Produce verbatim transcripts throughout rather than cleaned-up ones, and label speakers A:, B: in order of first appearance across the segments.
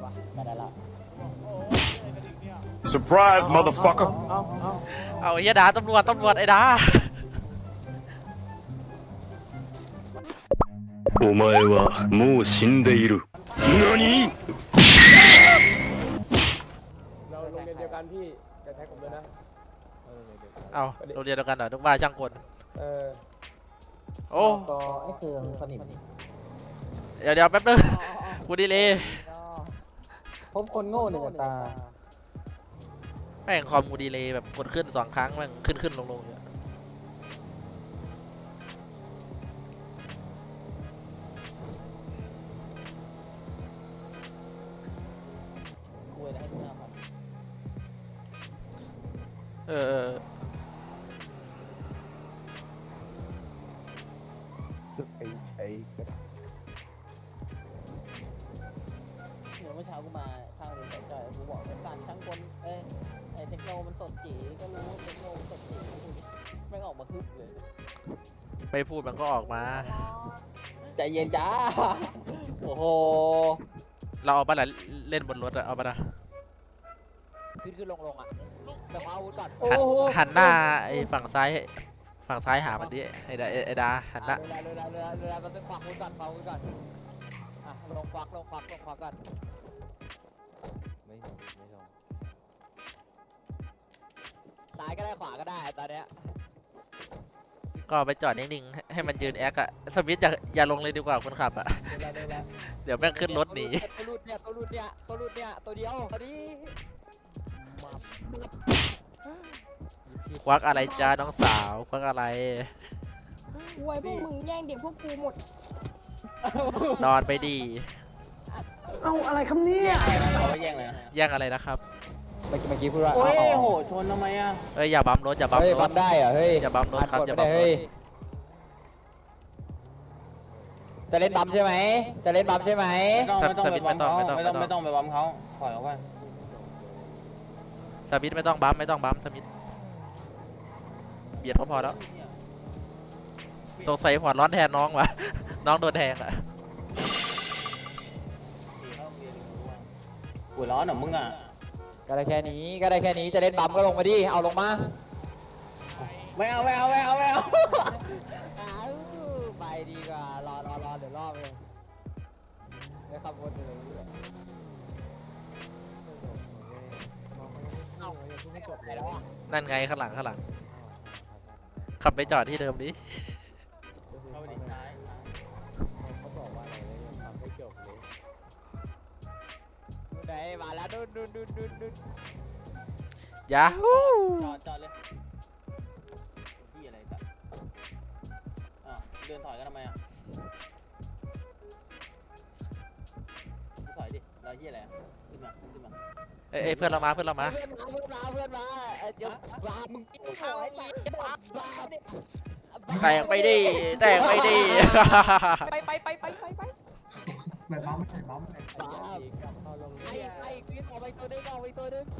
A: วะก็ได้ละ
B: Surprise, motherfucker.
A: เอาเอา
C: เอาไอ้เหี้ยดาตำรวจตำรวจไอ้ดา
D: お前はもう死んでいる。何
A: เราโรงเรียนเดียวกันพี่จะแท็กผมด้วยนะ
C: เอาโรงเรียนเดียวกันเหรอนึกว่าช่างกล
A: เออ
C: โอ้
A: ก็ไอ้เครื่องสนิม
C: เดี๋ยวเดี๋ยวแป๊บนึงกูดีเลย
A: พบคนโง่หนึ่งตา
C: แม่งคอมกูดีเลยแบบกดขึ้นสองครั้งแม่งขึ้นขึ้นลงลงเนี่ย
A: คุยนะให้ดูหน้าพัน
C: เออเออ
E: ไอ้ไอ้
A: เดี๋ยวเมื่อเช้ากูมาข้างเรียนสายจอยกูบอกเป็นการช่างกลเอ้ยไอ้เทคโนมันสดจีก็รู้ว่าเทคโนมันสดจีไม่ออกมาคึกเลย
C: ไม่พูดมันก็ออกมา
A: ใจเย็นจ้าโอ้โห
C: เราเอาปะล่ะเล่นบนรถอะเอาปะล่ะ
A: ขึ้นขึ้นลงลงอ่ะแต่เอาอาวุธก่อน
C: หันหันหน้าไอ้ฝั่งซ้ายฝั่งซ้ายหามันดิไอ้ดาไอ้ดาหันหน้า
A: เรือเรือเรือเรือมันต้องควักอาวุธก่อนควักอาวุธก่อนอ่ะลงควักลงควักลงควักก่อนไม่ลงไม่ลงซ้ายก็ได้ขวาก็ได้ตอนเนี้ย
C: ก็ไปจอดนิ่งๆให้ให้มันยืนแอคอะสมิธอย่าอย่าลงเลยดีกว่าคนขับอะ
A: เรือเรือเรือ
C: เดี๋ยวแม่งขึ้นรถหนี
A: ตัวรุดเนี่ยตัวรุดเนี่ยตัวรุดเนี่ยตัวเดียวตัวนี้
C: ควักอะไรจ้าน้องสาวควักอะไร
F: ไว้พวกมึงแย่งเด็กพวกกูหมด
C: นอนไปดี
F: เอาอะไรคำนี้
A: เขาแย่งเลยนะ
C: แย่งอะไรนะครับ
A: เมื่อกี้เมื่อกี้พูดว่า
F: โอ้ย
A: โห
F: ชนทำไมอ่ะ
C: เอ้ยอย่าบัมรถอย่าบัม
A: เฮ้ย
C: ร
A: บั
C: ถ
A: มได้เหรอเฮ้ย
C: อย่าบัมรถครับอย่าบัมรถ
A: เฮ้ยจะเล่นบัมใช่ไหมจะเล่นบัมใช่ไหม
F: ไม่ต้องไม่ต้องไปบัมเขาไม่ต้องไม่ต้องไปบัมเขาปล่อยเขาไป
C: สมิธไม่ต้องบัมไม่ต้องบัมสมิธเบียดก็พอแล้วสงสัยหัวร้อนแทนน้องวะ น้องโดนแทงอะ
F: หัวร้อนเหรอมึงอ่ะ
A: ก็ได้แค่นี้ก็ได้แค่นี้จะเล่นบัมก็ลงมาดิเอาลงมา
F: ไม่เอาไม่เอาไม่เอาไม่เอา
A: ไปดีกว่ารอรอรอเดี๋ยวรอบเลยได้ขับวนเลยเอาไม่จบเลยแล้วอ่ะ
C: นั่นไงข้างหลังข้างหลังขับไปจอดที่เดิมดิ
F: เอาดิซ้าย
A: เขาบอกว่าอะไรเลยทำไม่จบเลยดูไหนมาแล้วดูดูดูดูดู
C: ยาฮู
F: จอดจอดเลยที่อะไรสัตว์อ้าวเดินถอยกันทำไมอ่ะถอยดิเราที่อะไรขึ้นมาขึ้นมา
C: เอ้ยเอ้ยเพื่อนเรามาเพื่อนเรามา
A: เพื่อนมาเพื่อนมาเพื่อนมาเดี๋ยวบ้ามึงเข้าบ้าบ้าบ้า
C: แตกไปดิแตกไปดิ
F: ไปไปไปไปไปไป
A: บ้าไอ้ไอ้ขึ้นออกไปตัวนึงออกไปตัวนึง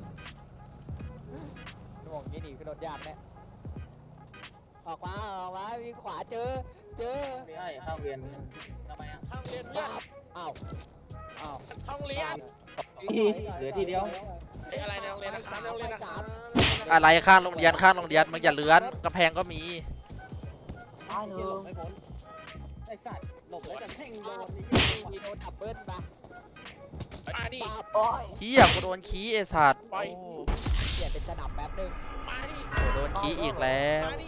A: หน่วงยี่หนีขึ้นรถยากเนี่ยออกมาออกมามีขวาเจอเจอ
F: ไม่ใช่ข้างเรียนทำไมอ่ะ
G: ข้างเรียนเนี่ย
A: อ้าวอ้าว
G: ห้องเรียน
F: เหลือทีเดียว
G: ไอ้อะไรในโรงเรียนนะครับในโรงเรียนนะครับ
C: อะไรข้างโรงเรียนข้างโรงเรียนมึงอย่าเลื้อนกระแพงก็มี
F: หลบไม่พ้นไอ้สัตว์หลบแล้วจะแท่งโดน
A: มีโดนดับเบิ้ลปะ
G: มาดิ
C: เฮียกูโดนขี้ไอสัตว์
G: ปล่อย
C: โอ้
A: เปลี่ยนเป็นสนับแป๊บนึง
G: มาดิ
C: โหโดนขี้อีกแล้ว
G: มาดิ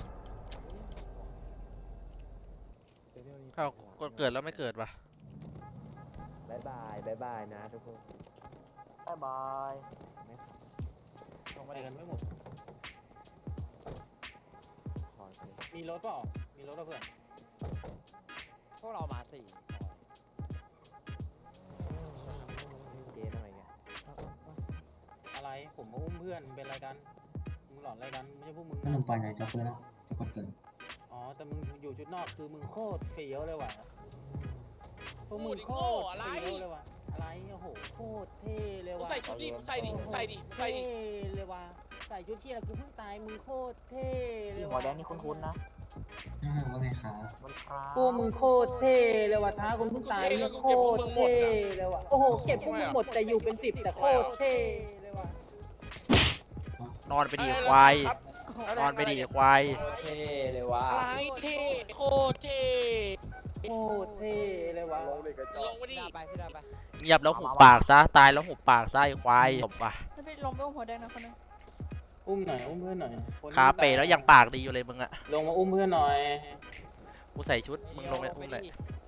C: เอ้าก็เกิดแล้วไม่เกิดวะ
A: บายบายบายบายนะทุกคนบายบาย
F: ลงมากันไม่หมดมีรถเปล่ามีรถเพื่อน
A: พวกเรามาสี่เจ๊ทำไมเนี่ย
F: อะไรผมมาอุ้มเพื่อนเป็นอะไรกันมึงหลอนอะไรกันไม่ใช่พวกมึง
H: ถ้า
F: นะ
H: มึงไปไหนจะเพื่อนแล้วจะกดเกิด
F: อ๋อแต่มึงอยู่ชุดนอกคือมึงโคตรเฟี้ยวเลยว่ะพวกมึงโคตร
G: อะไร
F: เฟี้ยวเลยว่ะอะไรโอ้โหโคตรเท่เลย
G: มึง
F: ว่ะ
G: ใส่ชุดดิมึงใส่ดิมึงใส่ดิมึงใส่ดิ
F: เท่เลยว่ะใส่ชุดที่อะไรกูเพิ่งตายมึงโคตรเท่เลยว่ะ
A: หัวแดงนี่คุ้นๆนะ
H: อ่าว่าไงครับ
A: กูมึงโคตรเท่เลยว่ะท้าคนเพิ่งตายนี่โคตรเท่เลยว่ะโอ้โหเก็บพวกมึงหมดแต่อยู่เป็นสิบแต่โคตรเท่เลยว่ะ
C: นอนไปดีควาย นอนไปดีควาย
A: เท่เลยว่ะ
G: อะไรเท่โคตรเท่
A: โคตรเท่เลยว่ะ
G: ลงมาดิ
C: เงียบแล้วหุบปากซะ ตายแล้วหุบปากซะไอ้ควายจบว่ะ
B: ไม่ไปลงไปอุ้มหัวแดงนะคนนึง
A: อุ้มหน่อยอุ้มเพื่อนหน่อย
C: ขาเป๋แล้วยังปากดีอยู่เลยมึงอะ
A: ลงมาอุ้มเพื่อนหน่อย
C: กูใส่ชุด มึงลงไปอุ้มเลย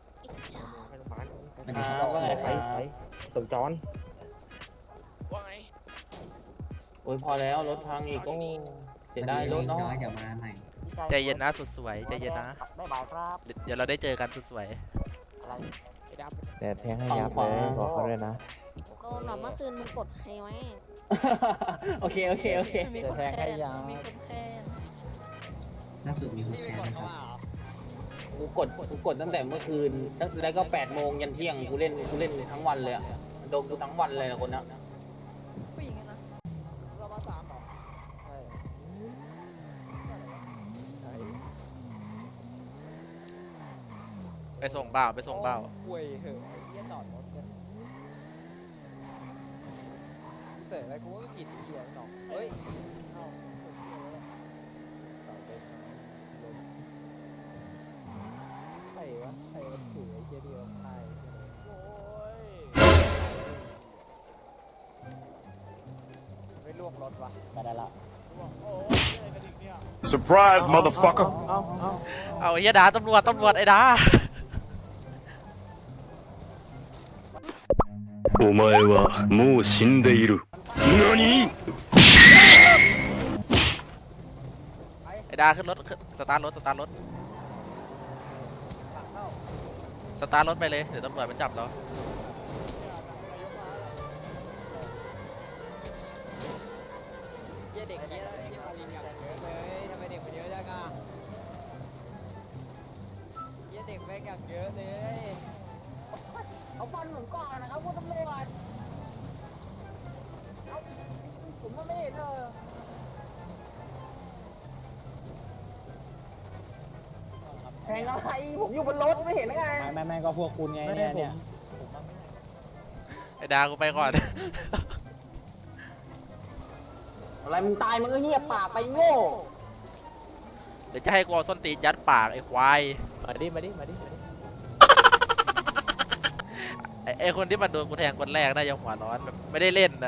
H: ไม่ได้
A: ครับว่าไง
E: ไป
A: ครับ
E: ไปสมจร
G: ว่าไง
A: โอ้ยพอแล้วรถพังอีกโอ้เสียดายรถเนาะ
H: น้อยเดี๋ยวมาใหม่
C: ใจเย็นนะสุดสวย ใจเย็นนะ
F: บ๊ายบายครับ
C: เดี๋ยวเราได้เจอกันสุดสวย
F: อะไรไอ้ดำ
E: แต่แทงให้ยับเลยบอกเขาด้วยนะ
B: โดนหรอเมื่อคืนมึงกดใครไว้
A: โอเคโอเคโอเค
B: มีคนแค้นมีคนแค้น
H: ล่าสุดมีคนแค้นนะครับ
A: กูกดกูกดตั้งแต่เมื่อคืนตั้งแล้วก็แปดโมงยันเที่ยงกูเล่นกูเล่นทั้งวันเลยอะโดนกูทั้งวันเลยนะคนนะ
B: ผู้หญิงอะนะ
F: เรามาสามเหรอใช่
C: ไปส่งเปล่าไปส่งเปล่า
F: ป่วยเหอะไอ้เหี้ยจอดรถเนี่ยกูเสร็จแล้วกูไม่ผิดเหี้ยหรอกเฮ้ยเอ้าเสาเต็มใครวะใครมันถือไอ้เหี้ยที่เราพายโอ้ยไม่ลวกรถวะไปได้ละ
D: Surprise, motherfucker!
F: เอาเอา
C: เอาไอ้เหี้ยดาตำรวจตำรวจไอ้ดา
D: お前はもう死んでいる。何
C: ไอ้ดาขึ้นรถขึ้นสตาร์ทรถสตาร์ทรถสตาร์ทรถไปเลยเดี๋ยวตำรวจมาจับเรา
F: เหี้ยเด็กเหี้ยเหี้ยมาลิงอย่างเยอะเลยทำไมเด็กมันเยอะจังอ่ะเหี้ยเด็กแม่งอย่างเยอะเลย
A: เอาฟันผมก่อนนะครับคุณตำรวจเอาผมไม่เห็นเลยแทงอะไรผมอยู่บนรถไม่เห็นไงไม่ไม่ไม่ก็พวกคุณไงเนี่ยเนี่ย
C: ไอ้ดากูไปก่อน
A: อะไรมึงตายมึงก็เงียบปากไปโง่
C: เดี๋ยวจะให้กูเอาส้นตีนยัดปากไอ้ควาย
F: มาดิมาดิมาดิมาดิ
C: ไอ้ไอ้คนที่มันโดนกูแทงคนแรกน่าจะหัวร้อนแบบไม่ได้เล่นนะ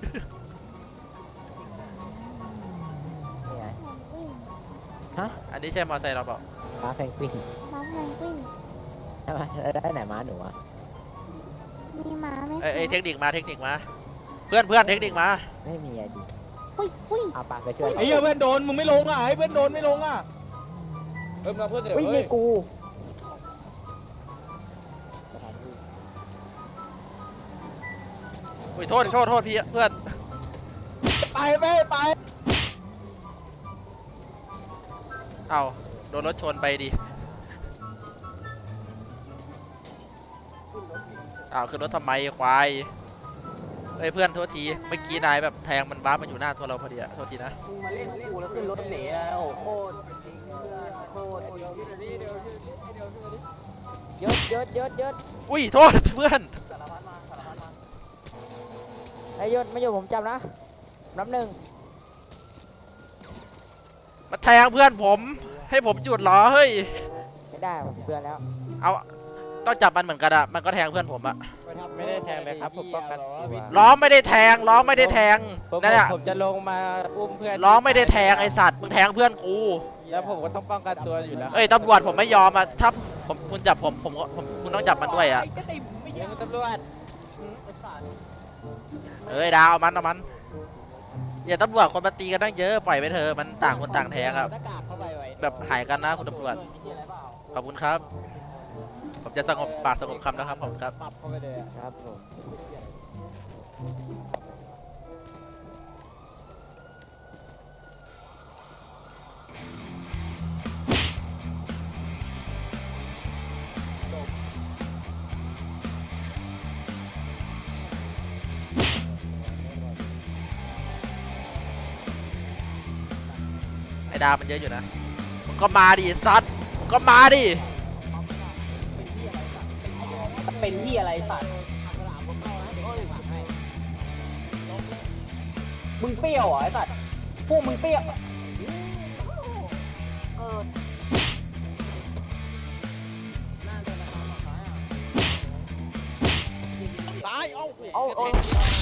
F: นี่ไง
B: ฮะ
C: อันนี้ใช่มอเตอร์ไซค์เราเปล่า
F: ม้าแพงกวิน
B: ม้าแพนกวิน
F: ใช่ไหมได้ไหนม้าหนูอ่ะ
B: มีม้าไหม
C: เอ้ยเอ้ยเทคนิคมาเทคนิคมา เพื่อนเพื่อนเทคนิคมา
F: ไม่มีไอดี
B: อุ้ยอุ้ย
F: เอาปากไปช่วย
A: ไอ้เหี้ยเพื่อนโดนมึงไม่ลงอ่ะไอ้เพื่อนโดนไม่ลงอ่ะ
F: เพิ่มมาเพื่อนเดี๋ยว
A: วิ่ง
F: เฮ้
A: นี่
F: ย
A: กู
C: อุ้ยโทษโทษโทษพี่เพื่อน
A: ไปไปไป
C: เอาโดนรถชนไปดิอ้าวขึ้นรถทำไมควายเอ้ยเพื่อนโทษทีเมื่อกี้นายแบบแทงมันบ้ามันอยู่หน้าตัวเราพอดีอะโทษทีนะ
A: มึงมาเล่นกูแล้วขึ้นรถหนีอ่ะโอ้โหโคตรจริงเพื่อนโคตรจริง
F: เยอะเยอะเยอะเยอะ
C: อุ้ยโทษเพื่อน
A: สารพัดมาสารพัดมา
F: ไอ้ยศไม่อยู่ผมจำนะนับหนึ่ง
C: มาแทงเพื่อนผมให้ผมหยุดเหรอเฮ้ย
F: ไม่ได้ผมเตือนแล้ว
C: เอาต้องจับมันเหมือนกันอะมันก็แทงเพื่อนผมอะ
F: ไม่ได้แทงเลยครับผมป้องกันตัว
C: ล้อไม่ได้แทงล้อไม่ได้แทง
F: ผม
C: นั่นแหละ
F: ผมจะลงมาอุ้มเพื่อน
C: ล้อไม่ได้แทงไอสัตว์มึงแทงเพื่อนกู
F: แล้วผมก็ต้องป้องกันตัวอยู่แล้ว
C: เอ้ยตำรวจผมไม่ยอมอะถ้าผมคุณจับผมผมก็ผมคุณต้องจับมันด้วยอะ
F: เดี๋ยวตำรวจ
C: เอ้ยดาวเอามันเอามันอย่าตำรวจคนมาตีกันตั้งเยอะปล่อยไปเถอะมันต่างคนต่างแทงอะ
F: หน้ากากเข้าไปไว้
C: แบบหายกันนะคุณตำรวจขอบคุณครับ ผมจะสงบปากสงบคำนะครับขอบคุณครับ
F: ปรับเข้าไปเลยอะครับผม
C: ไอ้ดาวมันเยอะอยู่นะมันก็มาดิซัดโอ้ก็มาดิ
A: เป็นที่อะไรสัตว์มึงเปรี้ยวเหรอไอ้สัตว์พวกมึงเปรี้ยวเออ
G: ตาย เอ้า
A: เอาเอา
G: กระแทก